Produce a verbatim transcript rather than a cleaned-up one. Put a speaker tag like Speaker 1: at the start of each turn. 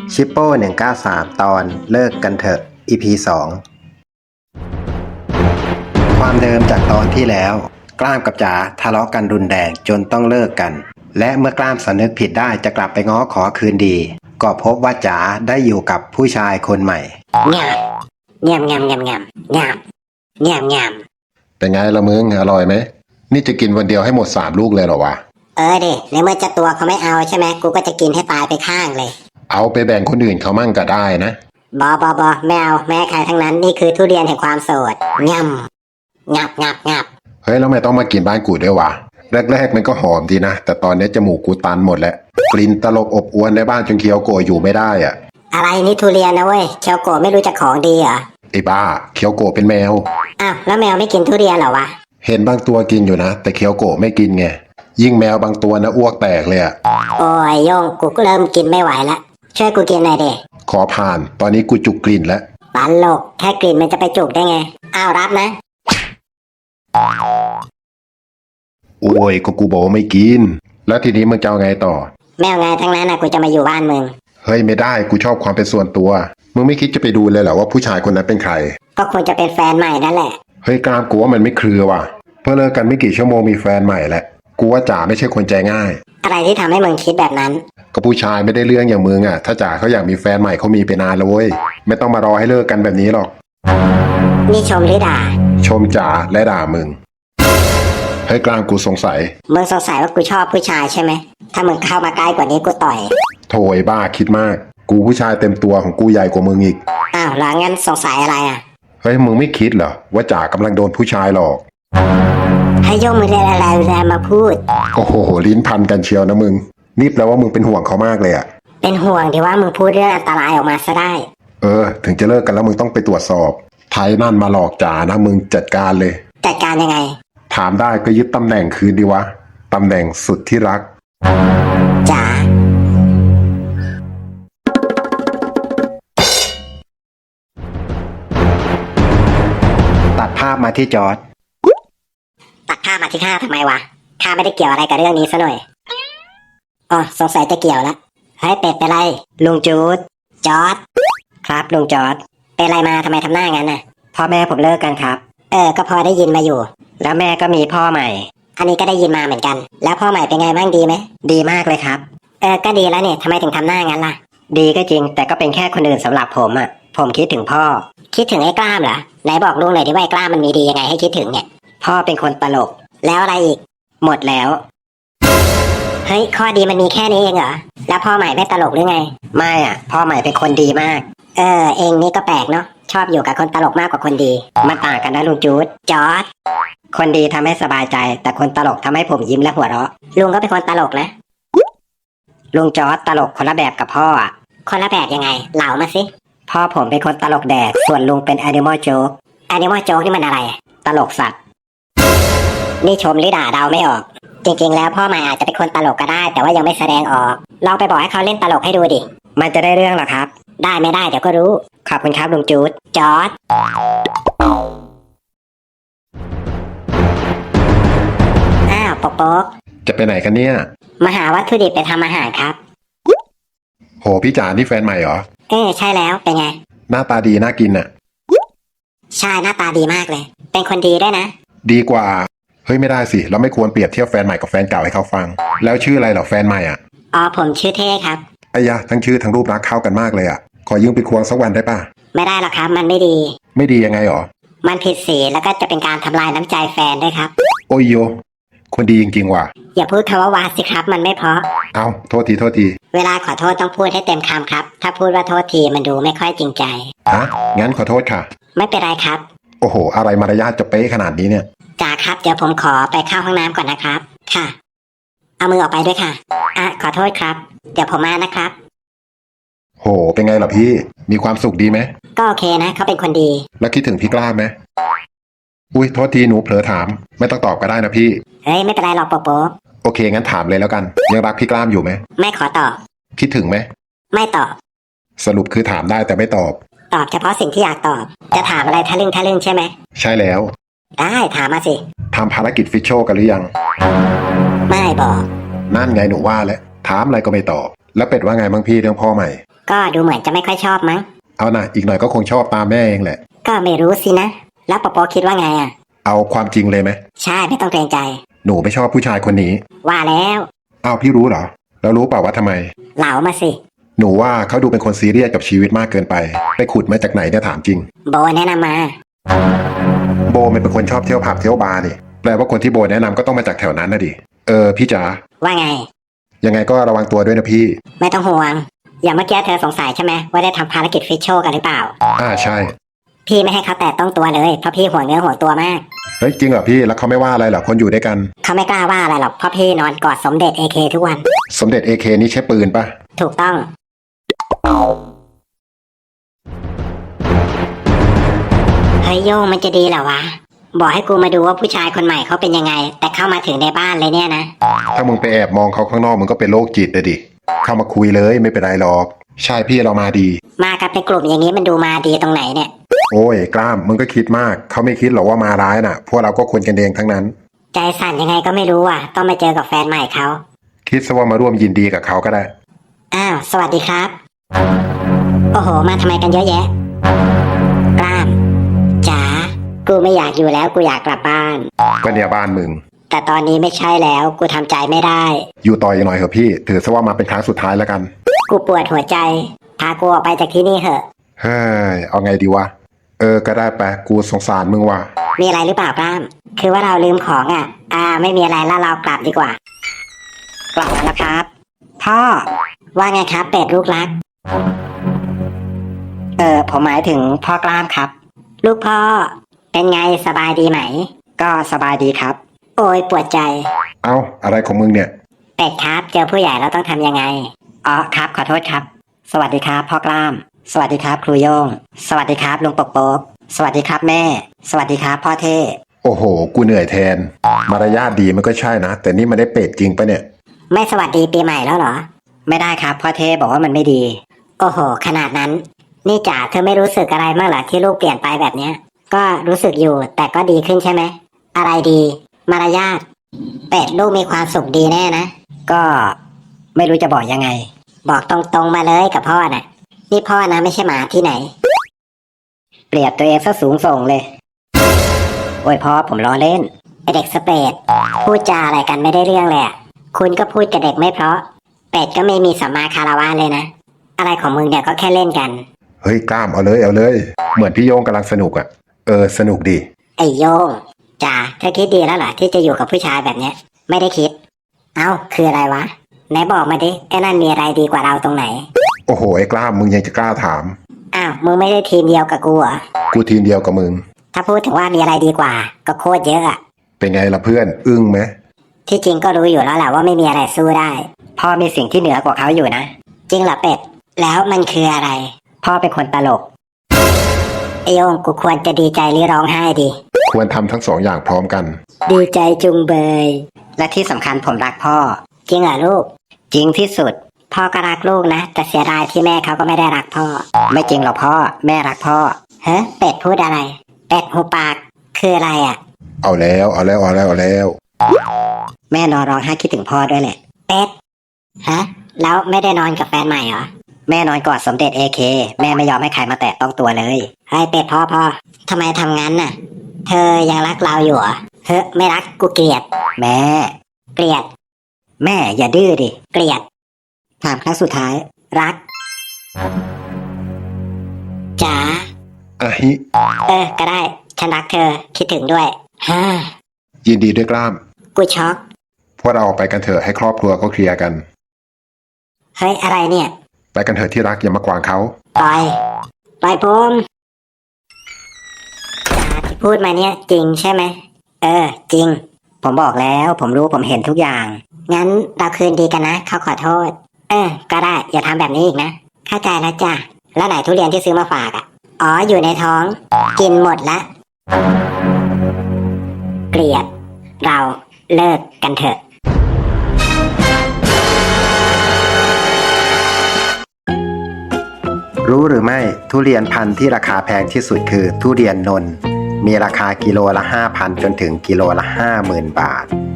Speaker 1: ชิปโป้หนึ่งเก้าสามตอนเลิกกันเถอะ อี พี สองความเดิมจากตอนที่แล้วกล้ามกับจ๋าทะเลาะกันรุนแรงจนต้องเลิกกันและเมื่อกล้ามสำนึกผิดได้จะกลับไปง้อขอคืนดีก็พบว่าจ๋าได้อยู่กับผู้ชายคนใหม่
Speaker 2: งามงามงามงามงามงามงาม
Speaker 3: เป็นไงละมึงอร่อยไหมนี่จะกินวันเดียวให้หมดสามลูกเลยเหรอวะ
Speaker 2: เออดิในเมื่อจะตัวเขาไม่เอาใช่ไหมกูก็จะกินให้ตายไปข้างเลย
Speaker 3: เอาไปแบ่งคนอื่นเขามั่งก็ได้นะ
Speaker 2: บอบอบอไม่เอาแม่ใครทั้งนั้นนี่คือทุเรียนแห่งความโสดงามงับงับงับ
Speaker 3: เฮ้ยแล้วไม่ต้องมากินบ้านกูด้วยวะแรกๆมันก็หอมดีนะแต่ตอนนี้จมูกกูตันหมดแล้วกลิ่นตลบอบอวนในบ้านจนเคียวโกะอยู่ไม่ได้อ่ะ
Speaker 2: อะไรนี่ทุเรียนนะเว้ยเคียวโกะไม่รู้จักของดีเหรอ
Speaker 3: ไอ้บ้าเคียวโกะเป็นแมว
Speaker 2: อ้าวแล้วแมวไม่กินทุเรียนเหรอวะ
Speaker 3: เห็นบางตัวกินอยู่นะแต่เคียวโกะไม่กินไงยิ่งแมวบางตัวนะอ้วกแตกเลยอ่ะ
Speaker 2: โอ้ยโยงกูก็เริ่มกินไม่ไหวละช่วยกูกินหน่อยดิ
Speaker 3: ขอผ่านตอนนี้กูจุกกลิ่นแล้ว
Speaker 2: ตลกแค่กลิ่นมันจะไปจุกได้ไงอ้าวรับนะ
Speaker 3: โอ้ยก็กูบอกไม่กินแล้วทีนี้มึงจะเอาไงต่อ
Speaker 2: แมวไงทั้งนั้นนะกูจะมาอยู่บ้านมึง
Speaker 3: เฮ้ยไม่ได้กูชอบความเป็นส่วนตัวมึงไม่คิดจะไปดูเลยเหรอว่าผู้ชายคนนั้นเป็นใคร
Speaker 2: ก็คงจะเป็นแฟนใหม่นั่นแหละ
Speaker 3: เฮ้ยกล้ามกูว่ามันไม่เครือว่ะเพิ่งเลิกกันไม่กี่ชั่วโมงมีแฟนใหม่แหละกูว่าจ๋าไม่ใช่คนใจง่าย
Speaker 2: อะไรที่ทำให้มึงคิดแบบนั้น
Speaker 3: ก็ผู้ชายไม่ได้เรื่องอย่างมึงอ่ะถ้าจ๋าเขาอยากมีแฟนใหม่เขามีไปนานแล้วเว้ยไม่ต้องมารอให้เลิกกันแบบนี้หรอก
Speaker 2: นี่ชมหรือด่า
Speaker 3: ชมจ๋าและด่ามึงเฮ้ยกล้ามกูสงสัย
Speaker 2: มึงสงสัยว่ากูชอบผู้ชายใช่ไหมถ้ามึงเข้ามาใกล้กว่านี้กูต่อย
Speaker 3: โถยบ้าคิดมากกูผู้ชายเต็มตัวของกูใหญ่กว่ามึงอีก
Speaker 2: อ้าวแล้วงั้นสงสัยอะไรอ่ะ
Speaker 3: เฮ้ยมึงไม่คิดเหรอว่าจ๋ากำลังโดนผู้ชายหลอก
Speaker 2: ให้โยมมึงเรียนอะไรแรงมาพูด
Speaker 3: โอ้โหลิ้นพันกันเชียวนะมึงนี่แปลว่ามึงเป็นห่วงเขามากเลยอ่ะ
Speaker 2: เป็นห่วงที่ว่ามึงพูดเรื่องอันตรายออกมาซะได้
Speaker 3: เออถึงจะเลิกกันแล้วมึงต้องไปตรวจสอบไทยนั่นมาหลอกจ๋านะมึงจัดการเลย
Speaker 2: จัดการยังไง
Speaker 3: ถามได้ก็ยึดตำแหน่งคืนดีวะตำแหน่งสุดที่รัก
Speaker 2: จ๋า
Speaker 1: ตัดภาพมาที่จอร์จ
Speaker 2: ตัดภาพมาที่ข้าทำไมวะข้าไม่ได้เกี่ยวอะไรกับเรื่องนี้ซะหน่อยอ๋อสงสัยจะเกี่ยวแล้วเฮ้ยเป็ดเป็นไรลุงจูดจอร์จครับลุงจอร์จเป็นไรมาทำไมทำหน้างั้นน่ะพ่อแม่ผมเลิกกันครับเออก็พอได้ยินมาอยู่แล้วแม่ก็มีพ่อใหม่อันนี้ก็ได้ยินมาเหมือนกันแล้วพ่อใหม่เป็นไงบ้างดีไหมดีมากเลยครับเออก็ดีแล้วเนี่ยทำไมถึงทำหน้างั้นล่ะดีก็จริงแต่ก็เป็นแค่คนอื่นสำหรับผมอ่ะผมคิดถึงพ่อคิดถึงไอ้กล้ามเหรอไหนบอกลุงหน่อยดิว่าไอ้กล้ามมันมีดียังไงให้คิดถึงเนี่ยพ่อเป็นคนตลกแล้วอะไรอีกหมดแล้วเฮ้ยข้อดีมันมีแค่นี้เองเหรอแล้วพ่อใหม่ไม่ตลกหรือไงไม่อ่ะพ่อใหม่เป็นคนดีมากเออเองนี่ก็แปลกเนาะชอบอยู่กับคนตลกมากกว่าคนดีมันต่างกันนะลุงจูดจอร์จคนดีทำให้สบายใจแต่คนตลกทำให้ผมยิ้มและหัวเราะลุงก็เป็นคนตลกนะลุงจอร์จตลกคนละแบบกับพ่ออ่ะคนละแบบยังไงเล่ามาสิพ่อผมเป็นคนตลกแดกส่วนลุงเป็นแอนิมอลโจ๊กแอนิมอลโจ๊กนี่มันอะไรตลกสัตว์นี่ชมหรือด่าเดาไม่ออกจริงๆแล้วพ่อใหม่อาจจะเป็นคนตลกก็ได้แต่ว่ายังไม่แสดงออกลองไปบอกให้เขาเล่นตลกให้ดูดิมันจะได้เรื่องหรอครับได้ไม่ได้เดี๋ยวก็รู้ขอบคุณครับลุงจูดจอร์จอ้าวปกป๊ก
Speaker 3: จะไปไหนกันเนี่ย
Speaker 2: มาหาวัตถุดิบไปทำอาหารครับ
Speaker 3: โหพี่จ๋านี่แฟนใหม่เหรอ
Speaker 2: เออใช่แล้วเป็นไง
Speaker 3: หน้าตาดีน่ากินน่ะ
Speaker 2: ใช่หน้าตาดีมากเลยเป็นคนดีด้วยนะ
Speaker 3: ดีกว่าเฮ้ยไม่ได้สิเราไม่ควรเปรียบเทียบแฟนใหม่กับแฟนเก่าให้เขาฟังแล้วชื่ออะไรเหรอแฟนใหม่อ่ะ
Speaker 2: อ๋อผมชื่อเท่ครับ
Speaker 3: ไอ้ยะทั้งชื่อทั้งรูปรักเข้ากันมากเลยอ่ะขอยืมไปควงสักวันได้ป่ะ
Speaker 2: ไม่ได้หรอกครับมันไม่ดี
Speaker 3: ไม่ดียังไงหรอ
Speaker 2: มันผิดศีลแล้วก็จะเป็นการทำลายน้ำใจแฟนด้วยครับ
Speaker 3: โอ้ยโยคนดีจริงๆว่ะ
Speaker 2: อย่าพูดคำว่าวาสิครับมันไม่เพราะ
Speaker 3: เอาโทษทีโทษที
Speaker 2: เวลาขอโทษต้องพูดให้เต็มคำครับถ้าพูดว่าโทษทีมันดูไม่ค่อยจริงใจ
Speaker 3: ฮะงั้นขอโทษค่ะ
Speaker 2: ไม่เป็นไรครับ
Speaker 3: โอ้โหอะไรมารยาทจะเป๊ะขนาดนี้เนี่ย
Speaker 2: จ่าครับเดี๋ยวผมขอไปเข้าห้องน้ำก่อนนะครับค่ะเอามือออกไปด้วยค่ะอ่ะขอโทษครับเดี๋ยวผมมานะครับ
Speaker 3: โหเป็นไงล่ะพี่มีความสุขดีไหม
Speaker 2: ก็โอเคนะเขาเป็นคนดี
Speaker 3: แล้วคิดถึงพี่กล้าไหมอุ้ยโทษทีหนูเผลอถามไม่ต้องตอบก็ได้นะพี่
Speaker 2: เฮ้ยไม่เป็นไรหรอกโป๊ะโป๊ะ
Speaker 3: โอเคงั้นถามเลยแล้วกันยังรักพี่กล้ามอยู่ไหม
Speaker 2: ไม่ขอตอบ
Speaker 3: คิดถึงไหม
Speaker 2: ไม่ตอบ
Speaker 3: สรุปคือถามได้แต่ไม่ตอบ
Speaker 2: ตอบเฉพาะสิ่งที่อยากตอบจะถามอะไรทะลึ่งทะลึ่งใช่ไหม
Speaker 3: ใช่แล้ว
Speaker 2: ได้ถามมาสิ
Speaker 3: ทำภารกิจฟิชโชกันหรือยัง
Speaker 2: ไม่บอก
Speaker 3: นั่นไงหนูว่าแล้วถามอะไรก็ไม่ตอบแล้วเป็ดว่าไงบ้างพี่เรื่องพ่อใหม่
Speaker 2: ก็ดูเหมือนจะไม่ค่อยชอบมั้ง
Speaker 3: เอานะอีกหน่อยก็คงชอบตามแม่เองแหละ
Speaker 2: ก็ไม่รู้สินะ แล้วปอปอคิดว่าไงอ่ะ
Speaker 3: เอาความจริงเลยไหม
Speaker 2: ใช่ไม่ต้องเกรงใจ
Speaker 3: หนูไม่ชอบผู้ชายคนนี้
Speaker 2: ว่าแล้ว
Speaker 3: อ้าวพี่รู้เหรอแล้วรู้เปล่าว่าทำไม
Speaker 2: เหลามาสิ
Speaker 3: หนูว่าเขาดูเป็นคนซีเรียสกับชีวิตมากเกินไป ไปขุดมาจากไหนเนี่ยถามจริง
Speaker 2: โบแนะนำมา
Speaker 3: โบมันเป็นคนชอบเที่ยวผับเที่ยวบาร์นี่แปลว่าคนที่โบแนะนำก็ต้องมาจากแถวนั้นนะดิเออพี่จ๋า
Speaker 2: ว่าไง
Speaker 3: ยังไงก็ระวังตัวด้วยนะพี่
Speaker 2: ไม่ต้องห่วง อย่างเมื่อกี้เธอสงสัยใช่ไหมว่าได้ทำภารกิจฟิชโชกันหรือเปล่า
Speaker 3: อ่าใช่
Speaker 2: พี่ไม่ให้เขาแตะต้องตัวเลยเพราะพี่ห่วงเนื้อห่วงตัวมาก
Speaker 3: เฮ้ยจริงเหรอพี่แล้วเขาไม่ว่าอะไรเหรอคนอยู่ด้วยกัน
Speaker 2: เขาไม่กล้าว่าอะไรหรอกเพราะพี่นอนกอดสมเด็จเอเคทุกวัน
Speaker 3: สมเด็จเอเคนี่ใช้ปืนปะ
Speaker 2: ถูกต้องเฮ้ยโยงมันจะดีเหรอวะ บอกให้กูมาดูว่าผู้ชายคนใหม่เขาเป็นยังไง แต่เข้ามาถึงในบ้านเลยเนี่ยนะ
Speaker 3: ถ้ามึงไปแอบมองเขาข้างนอกมึงก็เป็นโรคจิตเลยดิเข้ามาคุยเลยไม่เป็นไรหรอกใช่พี่เรามาดี
Speaker 2: มากับในกลุ่มอย่างนี้มันดูมาดีตรงไหนเนี่ย
Speaker 3: โอ้ยกล้ามมึงก็คิดมากเขาไม่คิดหรอกว่ามาร้ายน่ะ พวกเราก็คนกันเองทั้งนั้น
Speaker 2: ใจสั่นยังไงก็ไม่รู้อ่ะ ต้องมาเจอกับแฟนใหม่เขา
Speaker 3: คิดซะว่ามาร่วมยินดีกับเขาก็ได้
Speaker 2: อ้าวสวัสดีครับ โอ้โหมาทำไมกันเยอะแยะกล้ามจ๋ากูไม่อยากอยู่แล้วกูอยากกลับบ้าน
Speaker 3: ก็เนี่ยบ้านมึง
Speaker 2: แต่ตอนนี้ไม่ใช่แล้วกูทำใจไม่ได้
Speaker 3: อยู่ต่ออีกหน่อยเถอะพี่ถือซะว่ามาเป็นครั้งสุดท้ายแล้วกัน
Speaker 2: กูปวดหัวใจพากูออกไปจากที่นี่เถอะ
Speaker 3: เฮ้ยเอาไงดีวะเออก็ได้ไปกูสงสารมึงว่ะ
Speaker 2: มีอะไรหรือเปล่ากล้าม คือว่าเราลืมของอ่ะ อ่า ไม่มีอะไรแล้วเรากลับดีกว่า กลับมาแล้วครับ พ่อ ว่าไงครับ เป็ดลูกรัก เออผมหมายถึงพ่อกล้ามครับ ลูกพ่อ เป็นไงสบายดีไหม ก็สบายดีครับ โอ้ยปวดใจ
Speaker 3: เอ้าอะไรของมึงเนี่ย
Speaker 2: เป็ดครับ เจอผู้ใหญ่เราต้องทำยังไง อ๋อครับขอโทษครับ สวัสดีครับพ่อกล้าม สวัสดีครับครูโยง สวัสดีครับลุงปกโป๊กสวัสดีครับแม่ สวัสดีครับพ่อเท่
Speaker 3: โอ้โหกูเหนื่อยแทนมารยาทดีมันก็ใช่นะแต่นี่มันได้เป็ดจริงปะเนี่ย
Speaker 2: ไม่สวัสดีปีใหม่แล้วเหรอ ไม่ได้ครับพ่อเท่บอกว่ามันไม่ดี โอ้โห ขนาดนั้น นี่จ๋าเธอไม่รู้สึกอะไรบ้างเหรอที่ลูกเปลี่ยนไปแบบเนี้ย ก็รู้สึกอยู่แต่ก็ดีขึ้นใช่ไหม อะไรดี มารยาทเป็ดลูกมีความสุขดีแน่นะ ก็ไม่รู้จะบอกยังไง บอกตรงๆมาเลยกับพ่อน่ะ นี่พ่อนะไม่ใช่หมาที่ไหน เปรียบตัวเองซะสูงส่งเลย โอ้ยพ่อผมล้อเล่นไอเด็กสเปดพูดจาอะไรกันไม่ได้เรื่องเลยอะคุณก็พูดกับเด็กไม่เพราะ เป็ดก็ไม่มีสัมมาคารวะเลยนะ อะไรของมึงเนี่ยก็แค่เล่นกัน
Speaker 3: เฮ้ยกล้ามเอาเลยเอาเลย เหมือนพี่โยงกำลังสนุกอะ่ะเออสนุกดี
Speaker 2: ไอโยงจ๋าเธอคิดดีแล้วเหรอที่จะอยู่กับผู้ชายแบบเนี้ย ไม่ได้คิด เอ้าคืออะไรวะไหนบอกมาดิไอ้นั่นมีอะไรดีกว่าเราตรงไหน
Speaker 3: โอ้โหไอ้กล้ามมึงยังจะกล้าถาม
Speaker 2: อ้าวมึงไม่ได้ทีมเดียวกับกูเหรอ
Speaker 3: กูทีมเดียวกับมึง
Speaker 2: ถ้าพูดถึงว่ามีอะไรดีกว่า ก็โคตรเยอะอะ
Speaker 3: เป็นไงล่ะเพื่อนอึ้งไหม
Speaker 2: ที่จริงก็รู้อยู่แล้วแหละว่าไม่มีอะไรสู้ได้พ่อมีสิ่งที่เหนือกว่าเขาอยู่นะจริงเหรอเป็ดแล้วมันคืออะไร พ่อเป็นคนตลกไอโยงกูควรจะดีใจหรือร้องไห้ดี
Speaker 3: ควรทำทั้งสองอย่างพร้อมกัน
Speaker 2: ดีใจจุงเบยและที่สำคัญผมรักพ่อ จริงเหรอลูก จริงที่สุด พ่อก็รักลูกนะแต่เสียดายที่แม่เขาก็ไม่ได้รักพ่อ ไม่จริงหรอกพ่อแม่รักพ่อเฮ้เป็ดพูดอะไร เป็ดหูปากคืออะไรอ่ะ
Speaker 3: เอาแล้วเอาแล้วเอาแล้วเอาแล้ว
Speaker 2: แม่นอนร้องไห้คิดถึงพ่อด้วยแหละเป็ดฮะแล้วไม่ได้นอนกับแฟนใหม่เหรอแม่นอนกอดสมเด็จเอเคแม่ไม่ยอมให้ใครมาแตะต้องตัวเลยให้เป็ดพ่อพ่อทำไมทำงั้นน่ะ เธอยังรักเราอยู่เหรอเฮ้ไม่รักกูเกลียด แม่เกลียด แม่อย่าดื้อดิเกลียดถามครั้งสุดท้าย รักจ๋า
Speaker 3: อะฮิ
Speaker 2: เออก็ได้ฉันรักเธอคิดถึงด้วยฮ่า
Speaker 3: ยินดีด้วยกล้าม
Speaker 2: กูช็อก
Speaker 3: พวกเราออกไปกันเถอะให้ครอบครัวเขาเคลียร์กัน
Speaker 2: เฮ้ยอะไรเนี่ย
Speaker 3: ไปกันเถอะที่รักอย่ามากวางเขา
Speaker 2: ปล่อยปล่อยผมจ๋าที่พูดมาเนี่ยจริงใช่ไหมเออจริง ผมบอกแล้วผมรู้ผมเห็นทุกอย่าง งั้นเราคืนดีกันนะเขาขอโทษ เออก็ได้อย่าทำแบบนี้อีกนะเข้าใจแล้วจ้ะแล้วไหนทุเรียนที่ซื้อมาฝากอ่ะอ๋ออยู่ในท้อง กินหมดละเกลียดเราเลิกกันเถอะ
Speaker 1: รู้หรือไม่ทุเรียนพันธุ์ที่ราคาแพงที่สุดคือทุเรียนนนท์มีราคากิโลละ ห้าพัน จนถึงกิโลละ ห้าหมื่น บาท